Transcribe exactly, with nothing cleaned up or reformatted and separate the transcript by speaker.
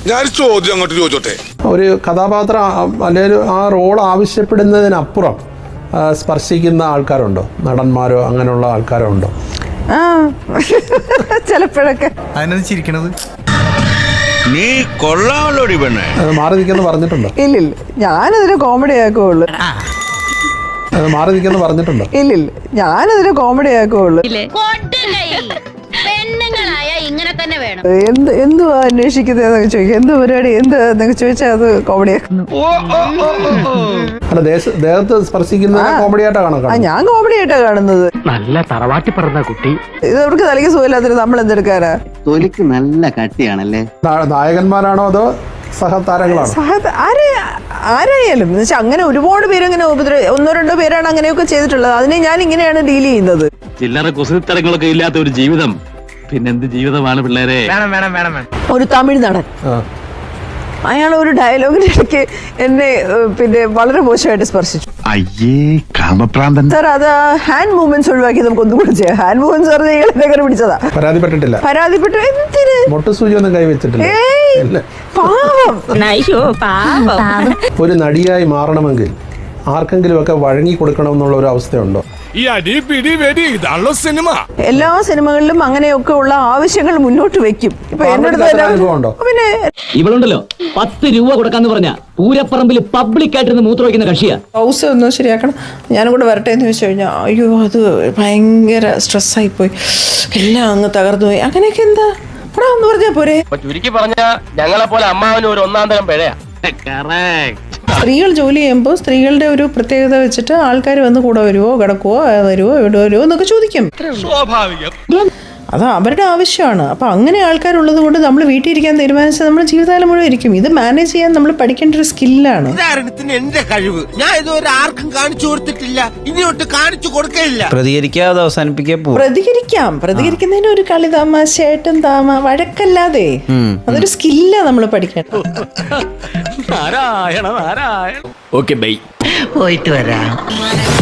Speaker 1: ഞാൻ ചോദ്യം അങ്ങോട്ട് ചോദിച്ചോട്ടെ.
Speaker 2: ഒരു കഥാപാത്രം അല്ലെങ്കിൽ ആ റോൾ ആവശ്യപ്പെടുന്നതിനപ്പുറം സ്പർശിക്കുന്ന ആൾക്കാരുണ്ടോ? നടന്മാരോ അങ്ങനെയുള്ള ആൾക്കാരോ ഉണ്ടോ?
Speaker 3: ആ ചിലപ്പോഴൊക്കെ.
Speaker 4: അതിനത് ചിരിക്കണത്
Speaker 5: നീ കൊള്ളാമല്ലോടി പെണ്ണേ.
Speaker 2: മാറി നിൽക്കുന്നു പറഞ്ഞിട്ടുണ്ടോ?
Speaker 3: ഇല്ലില്ല, ഞാനതിന് കോമഡി ആക്കുള്ളൂ.
Speaker 2: മാറി നിൽക്കുന്നു പറഞ്ഞിട്ടുണ്ടോ?
Speaker 3: ഇല്ലില്ല, ഞാനതിന് കോമഡി ആക്കുള്ളൂ. എന്ത് എന്തുവാ അന്വേഷിക്കുന്നതെന്നൊക്കെ ചോദിക്കും. എന്ത് പരിപാടി എന്താന്നൊക്കെ ചോദിച്ചാൽ അത് കോമഡി ആക്കുന്നു.
Speaker 2: അല്ല, ദേഹത്ത് സ്പർശിക്കുന്ന കോമഡി ആയിട്ടാണ് കാണുന്നത്.
Speaker 3: ഞാൻ കോമഡി ആയിട്ടാ കാണുന്നത്.
Speaker 6: നല്ല തറവാട്ടി പറഞ്ഞ കുട്ടി.
Speaker 3: ഇത് അവർക്ക് തലയ്ക്ക് സുഖമില്ലാത്തിട്ട് നമ്മൾ എന്തെടുക്കാനാ?
Speaker 7: തൊലിക്ക് നല്ല കട്ടിയാണല്ലേ.
Speaker 2: നായകന്മാരാണോ അതോ സഹതാരങ്ങളാണോ?
Speaker 3: ആരായാലും എന്ന് വെച്ചാൽ അങ്ങനെ ഒരുപാട് പേര് അങ്ങനെ ഉപദ്ര ഒന്നോ രണ്ടോ പേരാണ് അങ്ങനെയൊക്കെ ചെയ്തിട്ടുള്ളത്. അതിനെ ഞാൻ ഇങ്ങനെയാണ് ഡീൽ ചെയ്യുന്നത്.
Speaker 6: ചില്ലറ കുസൃത്തരങ്ങളൊക്കെ ഇല്ലാത്ത ഒരു ജീവിതം പിന്നെന്ത് ജീവിതമാണ് പിള്ളേരെ.
Speaker 3: ഒരു തമിഴ് നടൻ, അയാൾ ഒരു ഡയലോഗിന്റെ ഇടയ്ക്ക് എന്നെ പിന്നെ വളരെ മോശമായിട്ട് സ്പർശിച്ചു.
Speaker 5: അയ്യേ കാമപ്രാന്തൻ.
Speaker 3: സാർ, അത് ഹാൻഡ് മൂവ്മെന്റ്സ് ഒഴിവാക്കി നമുക്ക് ഒന്നും കൂടെ ചെയ്യാം. ഹാൻഡ് മൂവ്മെന്റ്സ് പറഞ്ഞാൽ ഇയാളെ കയറി പിടിച്ചതാ.
Speaker 2: പരാതിപ്പെട്ടിട്ടില്ല?
Speaker 3: പരാതിപ്പെട്ടു. എന്തിന്?
Speaker 2: മൊട്ടുസൂചി ഒന്നും കൈവച്ചിട്ടില്ല.
Speaker 3: പാവം.
Speaker 2: ഒരു നടിയായി മാറണമെങ്കിൽ ആർക്കെങ്കിലും ഒക്കെ വഴങ്ങി കൊടുക്കണം എന്നുള്ള ഒരു അവസ്ഥയുണ്ടോ?
Speaker 1: ഈ അടി പിടി വെടി ഇതാണല്ലോ സിനിമ.
Speaker 3: എല്ലാ സിനിമകളിലും അങ്ങനെയൊക്കെ ഉള്ള ആവശ്യങ്ങൾ മുന്നോട്ട് വെക്കും. ഇപ്പൊ എന്നോട് പിന്നെ
Speaker 6: ഇവളുണ്ടല്ലോ പത്ത് രൂപ കൊടുക്കാന്ന് പറഞ്ഞ പൂരപ്പറമ്പിൽ പബ്ലിക് ആയിട്ടിരുന്ന് മൂത്ര വയ്ക്കുന്ന കക്ഷിയാ.
Speaker 3: ഹൗസ് ഒന്ന് ശരിയാക്കണം, ഞാനും കൂടെ വരട്ടെ എന്ന് ചോദിച്ചു കഴിഞ്ഞാൽ അയ്യോ അത് ഭയങ്കര സ്ട്രെസ്സായി പോയി, എല്ലാം അങ്ങ് തകർന്നു പോയി. അങ്ങനെയൊക്കെ എന്താ ഇവിടെ ഒന്ന് പറഞ്ഞാ പോരെ?
Speaker 8: ചുരുക്കി പറഞ്ഞ ഞങ്ങളെ പോലെ അമ്മാവന് ഒരു ഒന്നാം തരം പിഴയാ.
Speaker 3: സ്ത്രീകൾ ജോലി ചെയ്യുമ്പോൾ സ്ത്രീകളുടെ ഒരു പ്രത്യേകത വെച്ചിട്ട് ആൾക്കാർ വന്ന് കൂടെ വരുവോ കിടക്കുവോ വരുവോ ഇവിടെ വരുവോ എന്നൊക്കെ ചോദിക്കും.
Speaker 8: സ്വാഭാവികം.
Speaker 3: അത് അവരുടെ ആവശ്യമാണ്. അപ്പം അങ്ങനെ ആൾക്കാരുള്ളത് കൊണ്ട് നമ്മൾ വീട്ടിൽ ഇരിക്കാൻ തീരുമാനിച്ചാൽ നമ്മൾ ജീവിതകാലം മുഴുവൻ ഇരിക്കും. ഇത് മാനേജ് ചെയ്യാൻ നമ്മൾ പഠിക്കേണ്ട ഒരു സ്കില്ലാണ്.
Speaker 8: എന്റെ കഴിവ് ഞാൻ ഇതുവരെ ആർക്കും കാണിച്ചു കൊടുത്തിട്ടില്ല, ഇനിയോട്ട് കാണിച്ചു കൊടുക്കില്ല.
Speaker 4: പ്രതികരിക്കാതെ അവസാനിപ്പിക്കാൻ
Speaker 3: പ്രതികരിക്കാം. പ്രതികരിക്കുന്നതിന് ഒരു കളി തമാശയായിട്ടും താമ വഴക്കല്ലാതെ അതൊരു സ്കില്ലാ നമ്മൾ പഠിക്കേണ്ടത്.
Speaker 6: നാരായണ നാരായണ. Okay bye.
Speaker 7: പോയിട്ട് വരാം.